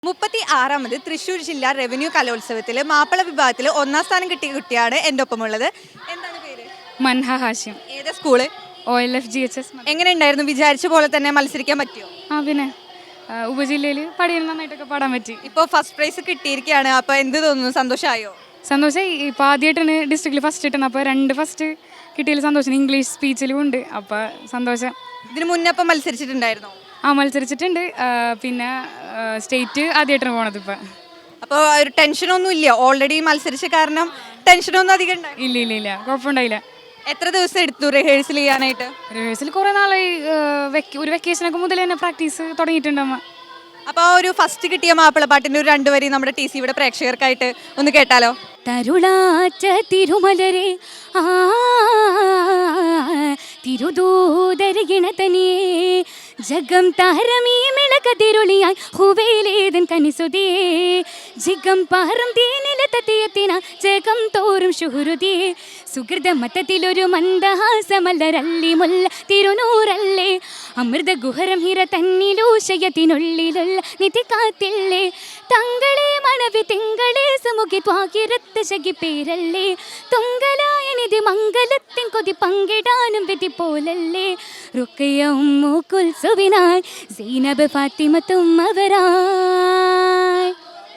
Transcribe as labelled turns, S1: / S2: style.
S1: 36ാമത് തൃശ്ശൂർ ജില്ലാ റവന്യൂ കലോത്സവത്തിൽ മാപ്പിള വിഭാഗത്തിൽ 1ാം സ്ഥാനം കിട്ടിയ കുട്ടിയാണ് എൻ്റെ ഒപ്പമുള്ളത്. എന്താണ് പേര്?
S2: മൻഹ ഹാഷിം.
S1: ഏതാ സ്കൂള്?
S2: OLF GHS.
S1: എങ്ങനെ ഉണ്ടായിരുന്നു? വിചാരിച്ച പോലെ തന്നെ മത്സരിക്കാൻ പറ്റിയോ?
S2: പിന്നെ ഉപജില്ലയിൽ പടിയിൽ നന്നായിട്ടൊക്കെ പാടാൻ പറ്റി.
S1: ഇപ്പോൾ ഫസ്റ്റ് പ്രൈസ് കിട്ടിയിരിക്കുകയാണ്. അപ്പോൾ എന്ത് തോന്നുന്നു? സന്തോഷമായോ?
S2: സന്തോഷമായി. ഇപ്പോൾ ആദ്യമായിട്ടാണ് ഡിസ്ട്രിക്റ്റിൽ ഫസ്റ്റ് കിട്ടുന്നത്. അപ്പോൾ 2 ഫസ്റ്റ് കിട്ടിയതിൽ സന്തോഷം. ഇംഗ്ലീഷ് സ്പീച്ചിലും ഉണ്ട്. അപ്പോൾ സന്തോഷം.
S1: ഇതിന് മുന്നേ അപ്പം മത്സരിച്ചിട്ടുണ്ടായിരുന്നോ?
S2: മത്സരിച്ചിട്ടുണ്ട്. പിന്നെ സ്റ്റേറ്റ് ആദ്യമായിട്ടാണ് പോണത് ഇപ്പം.
S1: അപ്പോൾ ഒരു ടെൻഷനൊന്നും ഇല്ല? ഓൾറെഡി മത്സരിച്ച കാരണം ടെൻഷനൊന്നും അധികം ഉണ്ടായി?
S2: ഇല്ല കുഴപ്പമുണ്ടായില്ല.
S1: എത്ര ദിവസം എടുത്തു റിഹേഴ്സൽ ചെയ്യാനായിട്ട്?
S2: റിഹേഴ്സൽ കുറേ നാളായി. ഒരു വെക്കേഷനൊക്കെ മുതൽ തന്നെ പ്രാക്ടീസ് തുടങ്ങിയിട്ടുണ്ടമ്മ.
S1: അപ്പോൾ ഒരു ഫസ്റ്റ് കിട്ടിയ മാപ്പിളപ്പാട്ടിൻ്റെ ഒരു 2 വരി നമ്മുടെ TC ഇവിടെ പ്രേക്ഷകർക്കായിട്ട് ഒന്ന് കേട്ടാലോ?
S3: തരുളാച്ച തിരുമലരെ തിരുദൂതരികിണതനിയേ ജഗം താരമീ മിളകതിരുളിയായി ഹുവേലേതൻ കനിസുതിയേ ജിഗം പാരം തീനിലെത്തിയെത്തിന ജഗം തോറും ശുഹൃതിയേ സുഹൃത മതത്തിലൊരു മന്ദഹാസമല്ലരല്ലി മുല്ല തിരുനൂറല്ലേ അമൃത ഗുഹരം ഹിര തന്നിലൂശയത്തിനുള്ളിലുള്ള നിധി കാത്തില്ലേ തങ്ങളെ മണവി തിങ്കളെ സുമുഖി ത്വാകിരത്ത് ശകി പേരല്ലേ തുങ്കലായ നിധി മംഗലത്തിൻ കൊതി പങ്കിടാനും വിധി പോലല്ലേ റുക്കയ ഉമ്മു കുൽസുവിനായി സീനബ് ഫാത്തിമത്തും അവരായി.